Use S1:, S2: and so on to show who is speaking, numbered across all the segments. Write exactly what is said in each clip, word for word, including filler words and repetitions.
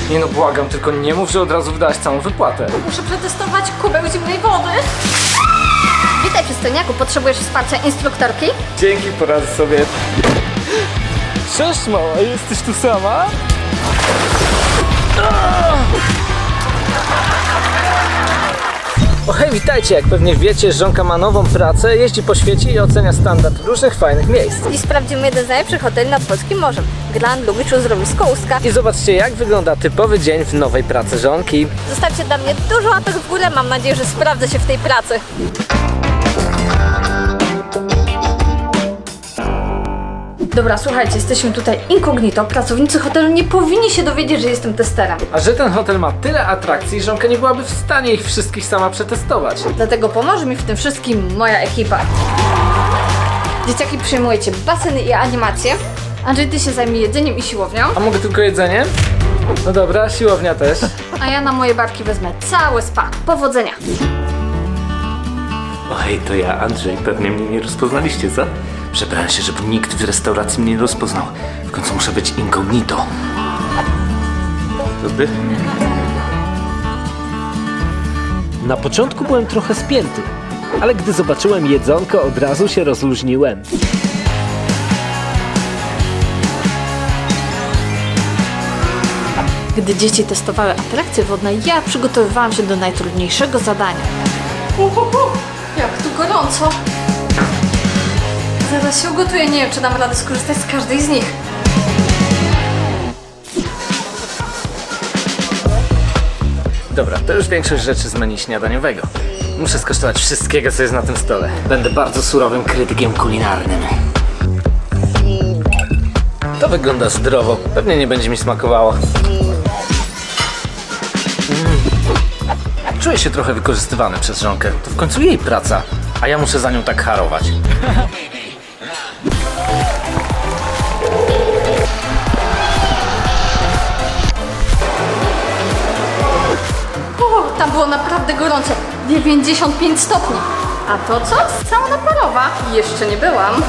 S1: Nie no, błagam, tylko nie mów, że od razu wydałaś całą wypłatę.
S2: Muszę przetestować kubeł zimnej wody. Witaj, przystojniaku. Potrzebujesz wsparcia instruktorki?
S1: Dzięki, poradzę sobie. Cześć mała, jesteś tu sama? O hej, witajcie! Jak pewnie wiecie, żonka ma nową pracę, jeździ po świecie i ocenia standard różnych fajnych miejsc.
S2: I sprawdzimy jeden z najlepszych hoteli nad polskim morzem. Grand Lubiczu Zrobisko Ustka.
S1: I zobaczcie, jak wygląda typowy dzień w nowej pracy żonki.
S2: Zostawcie dla mnie dużo łapek w górę. Mam nadzieję, że sprawdzę się w tej pracy. Dobra, słuchajcie, jesteśmy tutaj incognito. Pracownicy hotelu nie powinni się dowiedzieć, że jestem testerem.
S1: A że ten hotel ma tyle atrakcji, żonka nie byłaby w stanie ich wszystkich sama przetestować.
S2: Dlatego pomoże mi w tym wszystkim moja ekipa. Dzieciaki, przyjmujecie baseny i animacje. Andrzej, ty się zajmij jedzeniem i siłownią.
S1: A mogę tylko jedzenie? No dobra, siłownia też.
S2: A ja na moje barki wezmę całe spa. Powodzenia!
S3: O hej, to ja, Andrzej. Pewnie mnie nie rozpoznaliście, co? Przebrałem się, żeby nikt w restauracji mnie nie rozpoznał. W końcu muszę być incognito. Dobry?
S4: Na początku byłem trochę spięty, ale gdy zobaczyłem jedzonko, od razu się rozluźniłem.
S2: Gdy dzieci testowały atrakcje wodne, ja przygotowywałam się do najtrudniejszego zadania. Uhuhu, jak tu gorąco! Zaraz się ugotuję, nie wiem, czy dam radę skorzystać z każdej z nich.
S1: Dobra, to już większość rzeczy z menu śniadaniowego. Muszę skosztować wszystkiego, co jest na tym stole. Będę bardzo surowym krytykiem kulinarnym. To wygląda zdrowo. Pewnie nie będzie mi smakowało. Mm. Czuję się trochę wykorzystywany przez żonkę. To w końcu jej praca, a ja muszę za nią tak harować.
S2: O, tam było naprawdę gorąco. dziewięćdziesiąt pięć stopni. A to co? Sauna parowa? Jeszcze nie byłam.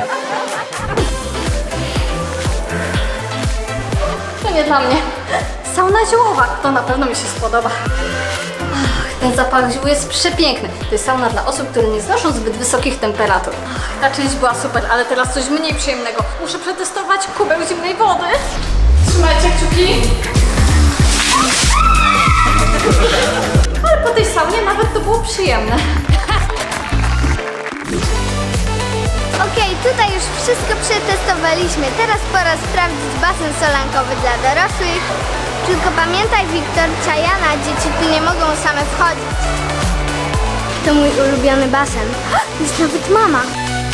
S2: To nie dla mnie. Sauna ziołowa. To na pewno mi się spodoba. Ach, ten zapach ziół jest przepiękny. To jest sauna dla osób, które nie znoszą zbyt wysokich temperatur. Ach, ta część była super, ale teraz coś mniej przyjemnego. Muszę przetestować kubeł zimnej wody. Trzymajcie kciuki. Ale po tej saunie nawet to było przyjemne.
S5: Okej, tutaj już wszystko przetestowaliśmy. Teraz pora sprawdzić basen solankowy dla dorosłych. Tylko pamiętaj, Wiktor, Czajana, dzieci tu nie mogą same wchodzić. To mój ulubiony basen. Jest nawet mama.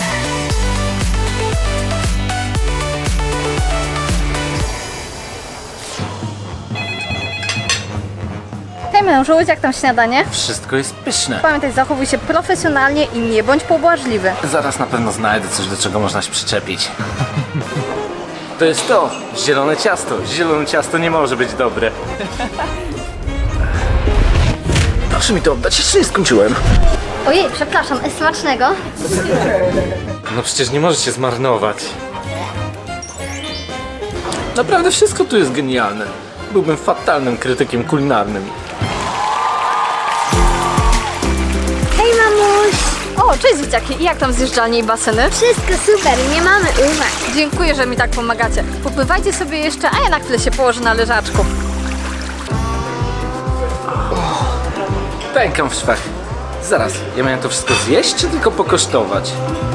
S2: Hej mężu, jak tam śniadanie?
S1: Wszystko jest pyszne.
S2: Pamiętaj, zachowuj się profesjonalnie i nie bądź pobłażliwy.
S1: Zaraz na pewno znajdę coś, do czego można się przyczepić. To jest to! Zielone ciasto. Zielone ciasto nie może być dobre. Proszę mi to oddać, jeszcze nie skończyłem.
S5: Ojej, przepraszam, smacznego.
S1: No przecież nie możesz się zmarnować. Naprawdę wszystko tu jest genialne. Byłbym fatalnym krytykiem kulinarnym.
S5: Hej, mamuś.
S2: O, cześć dzieciaki, i jak tam zjeżdżalnie i baseny?
S5: Wszystko super, nie mamy uwag.
S2: Dziękuję, że mi tak pomagacie. Popływajcie sobie jeszcze, a ja na chwilę się położę na leżaczku.
S1: Pękam w szwach. Zaraz, ja miałem to wszystko zjeść, czy tylko pokosztować?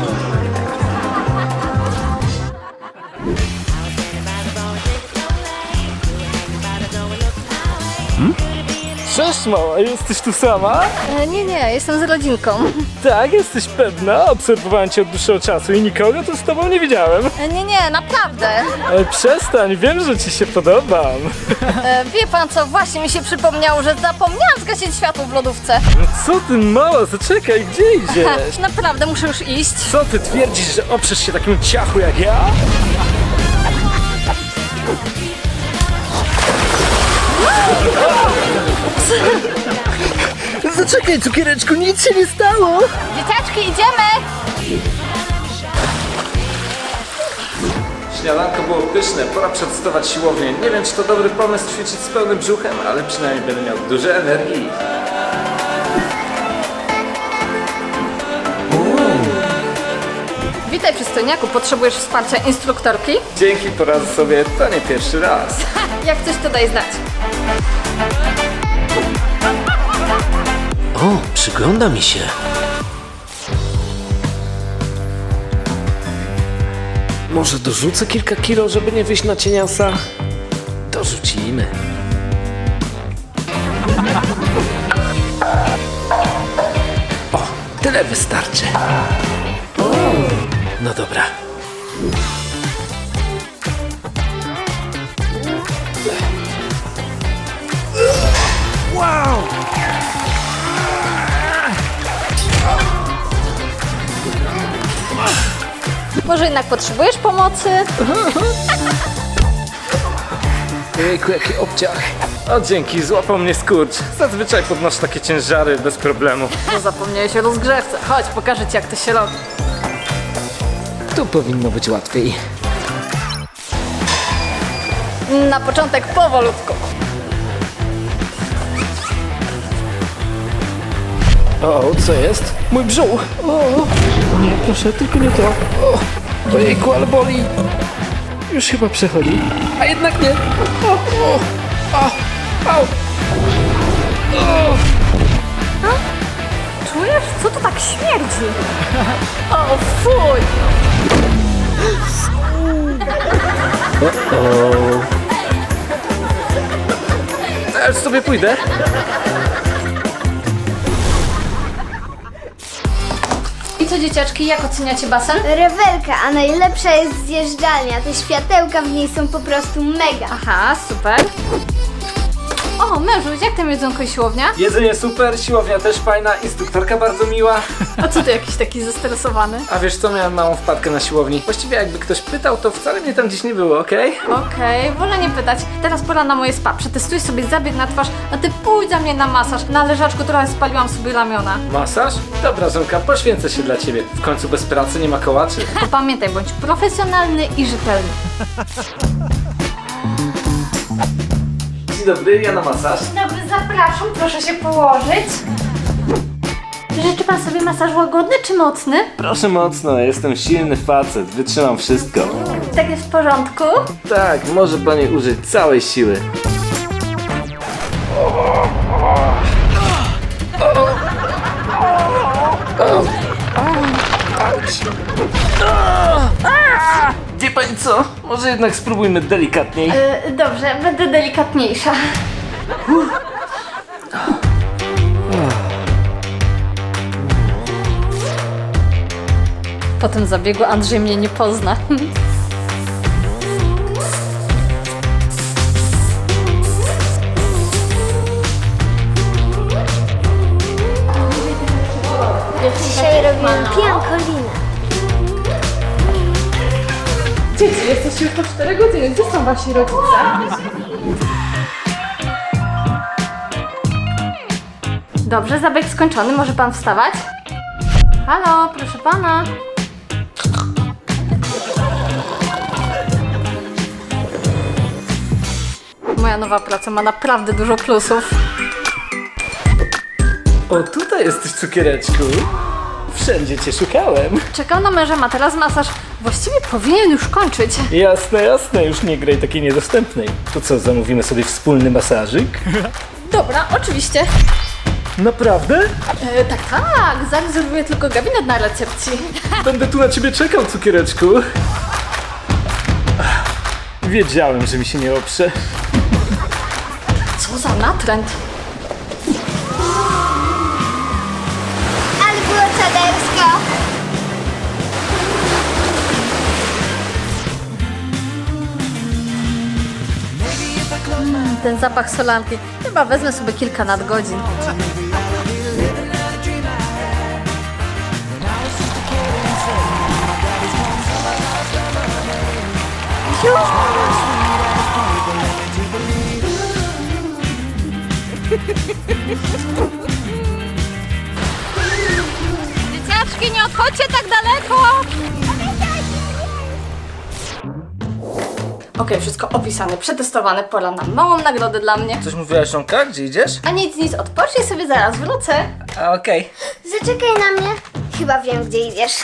S1: Cześć mała, jesteś tu sama?
S2: E, nie, nie, jestem z rodzinką.
S4: Tak, jesteś pewna? Obserwowałem cię od dłuższego czasu i nikogo tu z tobą nie widziałem.
S2: E, nie, nie, naprawdę.
S4: E, przestań, wiem, że ci się podobam.
S2: E, wie pan co, właśnie mi się przypomniało, że zapomniałam zgasić światło w lodówce.
S4: Co ty mała, zaczekaj, gdzie idziesz?
S2: Naprawdę muszę już iść.
S4: Co ty twierdzisz, że oprzesz się takiemu ciachu jak ja? Zaczekaj, cukiereczku, nic się nie stało.
S2: Dzieciaczki, idziemy!
S1: Śniadanko było pyszne, pora przetestować siłownię. Nie wiem, czy to dobry pomysł ćwiczyć z pełnym brzuchem, ale przynajmniej będę miał dużo energii.
S2: Witaj przystojniaku, potrzebujesz wsparcia instruktorki?
S1: Dzięki, poradzę sobie, to nie pierwszy raz.
S2: Jak coś to daj znać.
S4: O, przygląda mi się. Może dorzucę kilka kilo, żeby nie wyjść na cieniasa? Dorzucimy. O, tyle wystarczy. No dobra. Wow!
S2: Może jednak potrzebujesz pomocy?
S4: Jejku, jaki obciach.
S1: O, dzięki, złapał mnie skurcz. Zazwyczaj podnoszę takie ciężary bez problemu.
S2: No zapomniałeś o rozgrzewce. Chodź, pokażę ci jak to się robi.
S4: Tu powinno być łatwiej.
S2: Na początek powolutku.
S4: O, co jest? Mój brzuch! O, nie, proszę, tylko nie to. O, ojejku, ale boli. Już chyba przechodzi. A jednak nie. O, o, o, au.
S2: Czujesz? Co to tak śmierdzi? O, fuj!
S1: Ja już sobie pójdę.
S2: I co dzieciaczki, jak oceniacie basen?
S5: Rewelka, a najlepsza jest zjeżdżalnia. Te światełka w niej są po prostu mega.
S2: Aha, super. O, mężuś, jak tam jedzonko i siłownia?
S1: Jedzenie super, siłownia też fajna, instruktorka bardzo miła.
S2: A co ty jakiś taki zestresowany?
S1: A wiesz co, miałem małą wpadkę na siłowni. Właściwie jakby ktoś pytał, to wcale mnie tam dziś nie było, okej?
S2: Okej, wolę nie pytać. Teraz pora na moje spa. Przetestuj sobie zabieg na twarz, a ty pójdź za mnie na masaż. Na leżaczku trochę spaliłam sobie ramiona.
S1: Masaż? Dobra, żonka, poświęcę się dla ciebie. W końcu bez pracy nie ma kołaczy.
S2: To pamiętaj, bądź profesjonalny i rzetelny.
S1: Dzień dobry, ja na masaż.
S2: Dobry, zapraszam, proszę się położyć. Życzy pan sobie masaż łagodny czy mocny?
S3: Proszę mocno, jestem silny facet, wytrzymam wszystko.
S2: Tak jest w porządku?
S3: Tak, może pani użyć całej siły. Wie pani co? Może jednak spróbujmy delikatniej.
S2: Yy, dobrze, będę delikatniejsza. Po tym zabiegu Andrzej mnie nie pozna.
S5: Dzisiaj robimy piankolinę.
S2: Dzieci, jesteście już po cztery godziny. Gdzie są wasi rodzice? Dobrze, zabieg skończony. Może pan wstawać? Halo, proszę pana. Moja nowa praca ma naprawdę dużo plusów.
S1: O, tutaj jesteś, cukiereczku. Wszędzie cię szukałem.
S2: Czekam na męża, ma teraz masaż. Właściwie powinien już kończyć.
S1: Jasne, jasne, już nie graj takiej niedostępnej. To co, zamówimy sobie wspólny masażyk?
S2: Dobra, oczywiście.
S1: Naprawdę?
S2: E, tak, tak, zarezerwuję tylko gabinet na recepcji.
S1: Będę tu na ciebie czekał, cukiereczku. Ach, wiedziałem, że mi się nie oprze.
S2: Co za natręt.
S5: Ale było czadersko.
S2: Mm, ten zapach solanki. Chyba wezmę sobie kilka nadgodzin. Dzieciaczki, nie odchodźcie tak daleko! Okej, wszystko opisane, przetestowane, pora na małą nagrodę dla mnie.
S1: Coś mówiłaś, Żonka? Gdzie idziesz?
S2: A nic, nic, odpocznij sobie, zaraz wrócę.
S1: A, okej.
S5: Zaczekaj na mnie. Chyba wiem, gdzie idziesz.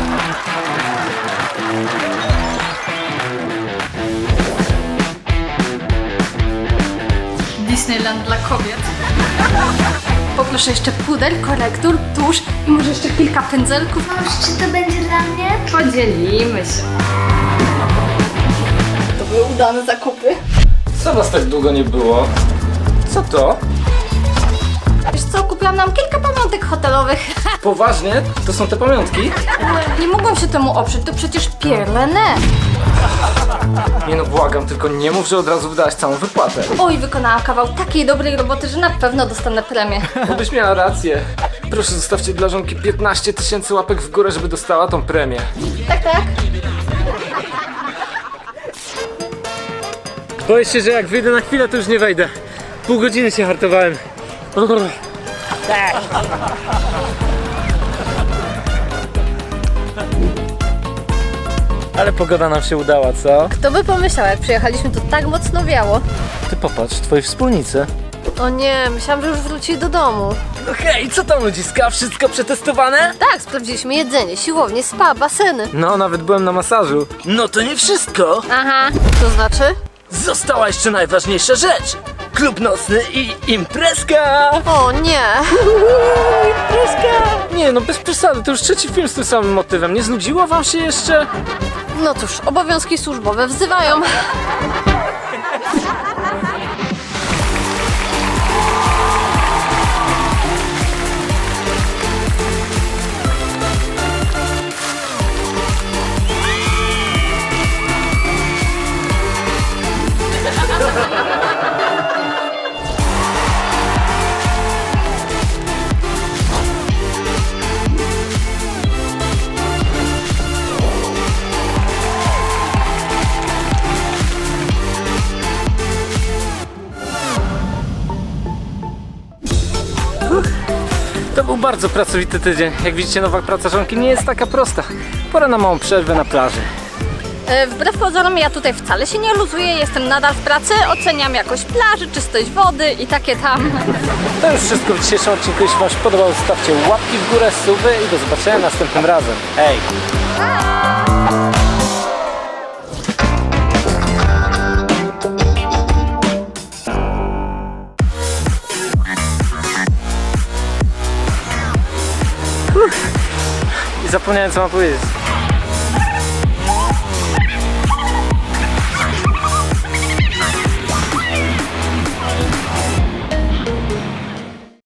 S2: Disneyland dla kobiet. Poproszę jeszcze puder, korektur, tusz i może jeszcze kilka pędzelków.
S5: Mąż, czy to będzie dla mnie?
S2: Podzielimy się. To były udane zakupy.
S1: Co was tak długo nie było? Co to?
S2: Wiesz co, kupiłam nam kilka pamiątek hotelowych.
S1: Poważnie? To są te pamiątki?
S2: Nie mogłam się temu oprzeć, to przecież Pierre Lene.
S1: Nie no, błagam, tylko nie mów, że od razu wydałaś całą wypłatę.
S2: Oj, wykonałam kawał takiej dobrej roboty, że na pewno dostanę premię.
S1: Byś miała rację. Proszę, zostawcie dla Żonki piętnaście tysięcy łapek w górę, żeby dostała tą premię.
S2: Tak, tak.
S1: Boję się, że jak wyjdę na chwilę, to już nie wejdę. Pół godziny się hartowałem. Ale pogoda nam się udała, co?
S2: Kto by pomyślał, jak przyjechaliśmy, to tak mocno wiało.
S1: Ty popatrz, twoi wspólnicy.
S2: O nie, myślałam, że już wrócili do domu.
S1: No hej, co tam ludziska? Wszystko przetestowane?
S2: Tak, sprawdziliśmy jedzenie, siłownię, spa, baseny.
S1: No, nawet byłem na masażu. No to nie wszystko.
S2: Aha, to znaczy?
S1: Została jeszcze najważniejsza rzecz. Klub nocny i imprezka.
S2: O nie.
S1: Nie no, bez przesady, to już trzeci film z tym samym motywem. Nie znudziło wam się jeszcze?
S2: No cóż, obowiązki służbowe wzywają.
S1: To był bardzo pracowity tydzień. Jak widzicie, nowa praca Żonki nie jest taka prosta. Pora na małą przerwę na plaży.
S2: E, wbrew pozorom ja tutaj wcale się nie luzuję, jestem nadal w pracy, oceniam jakość plaży, czystość wody i takie tam.
S1: To już wszystko w dzisiejszym odcinku. Jeśli wam się podobało, zostawcie łapki w górę, suby i do zobaczenia następnym razem. Hej! I zapomniałem, co mam powiedzieć.